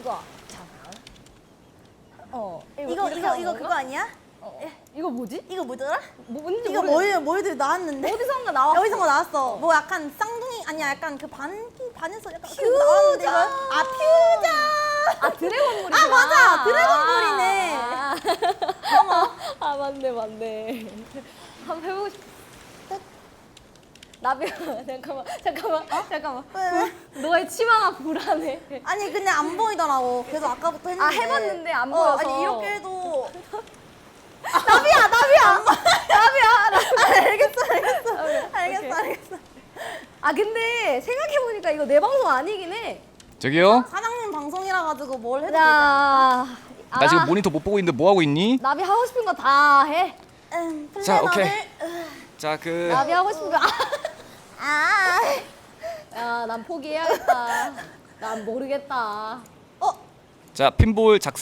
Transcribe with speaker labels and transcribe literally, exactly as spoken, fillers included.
Speaker 1: 이거 자, 어
Speaker 2: 이거
Speaker 1: 이렇게
Speaker 2: 이거
Speaker 1: 하는
Speaker 2: 이거
Speaker 1: 건가?
Speaker 2: 그거 아니야?
Speaker 1: 어, 이거 뭐지?
Speaker 2: 이거 뭐더라?
Speaker 1: 뭐, 뭔지
Speaker 2: 이거
Speaker 1: 모르겠어.
Speaker 2: 뭘 뭘들 나왔는데?
Speaker 1: 어디선가 나왔어.
Speaker 2: 여기선가 나왔어. 뭐 약간 쌍둥이 아니야 약간 그 반기 반에서 약간 그 나왔는데 이거 아 퓨전.
Speaker 1: 아 드래곤볼이.
Speaker 2: 아, 맞아. 드래곤볼이네.
Speaker 1: 아, 아 맞네 맞네. 한번 해보고 싶어. 나비야 잠깐만 잠깐만 잠깐만.
Speaker 2: 왜, 왜?
Speaker 1: 너의 치마가 불안해.
Speaker 2: 아니 근데 안 보이더라고. 그래서 아까부터 했는데.
Speaker 1: 아, 해봤는데 안
Speaker 2: 어,
Speaker 1: 보여서.
Speaker 2: 아니 이렇게 해도
Speaker 1: 나비야 나비야 나비야. 나-
Speaker 2: 아, 알겠어 알겠어
Speaker 1: 오케이,
Speaker 2: 알겠어
Speaker 1: 오케이.
Speaker 2: 알겠어.
Speaker 1: 아 근데 생각해 보니까 이거 내 방송 아니긴 해.
Speaker 3: 저기요?
Speaker 2: 사장님 방송이라 가지고 뭘 해도 되지.
Speaker 1: 자,
Speaker 3: 나 지금 모니터 못 보고 있는데 뭐 하고 있니?
Speaker 1: 나비 하고 싶은 거 다 해.
Speaker 2: 음,
Speaker 3: 자,
Speaker 2: 플래너를-
Speaker 3: 오케이.
Speaker 2: 으,
Speaker 3: 자, 그
Speaker 1: 나비 하고 싶은 거.
Speaker 2: 아,
Speaker 1: 야, 난 포기해야겠다. 난 모르겠다.
Speaker 2: 어,
Speaker 3: 자, 핀볼 작